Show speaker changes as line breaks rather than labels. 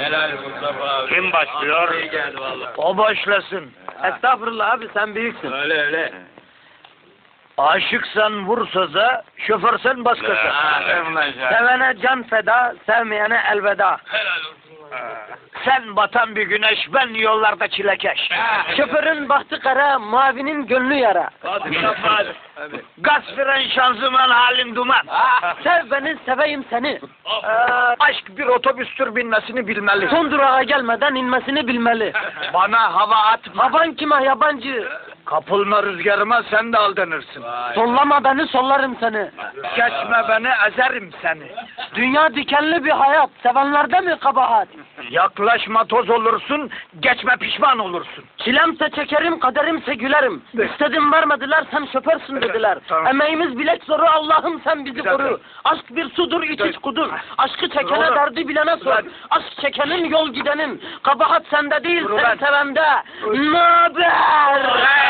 Helal Mustafa abi.
Kim başlıyor?
İyi geldi valla.
O başlasın.
Estağfurullah abi, sen büyüksün.
Öyle öyle.
Aşıksan vur söze, şoförsen bas gaza.
Sevene can feda, sevmeyene elveda.
Helal olsun.
Sen batan bir güneş, ben yollarda çilekeş.
Şoförün bahtı kara, mavinin gönlü yara.
Hadi Mustafa abi.
Gaz fren şanzıman halin duman.
Sev beni, seveyim seni.
Aşk bir otobüstür binmesini bilmeli.
Son durağa gelmeden inmesini bilmeli.
Bana hava atma.
Havan kime yabancı?
Kapılma rüzgarıma sen de aldanırsın.
Sollama beni, sollarım seni.
Geçme beni ezerim seni.
Dünya dikenli bir hayat, sevenlerde mi kabahat?
Yaklaşma toz olursun, geçme pişman olursun.
Çilemse çekerim, kaderimse gülerim. İstedim vermediler, sen şoförsün dediler.
Tamam.
Emeğimiz bilek zoru, Allah'ım sen bizi
dakika.
koru. Aşk bir sudur, iç iç kudur. Aşkı çekene
Doğru.
derdi bilene sor.
Ulan.
Aşk çekenin yol gidenin. Kabahat sende değil,
Dur
sen
ulan.
sevende.
Dur.
Naber?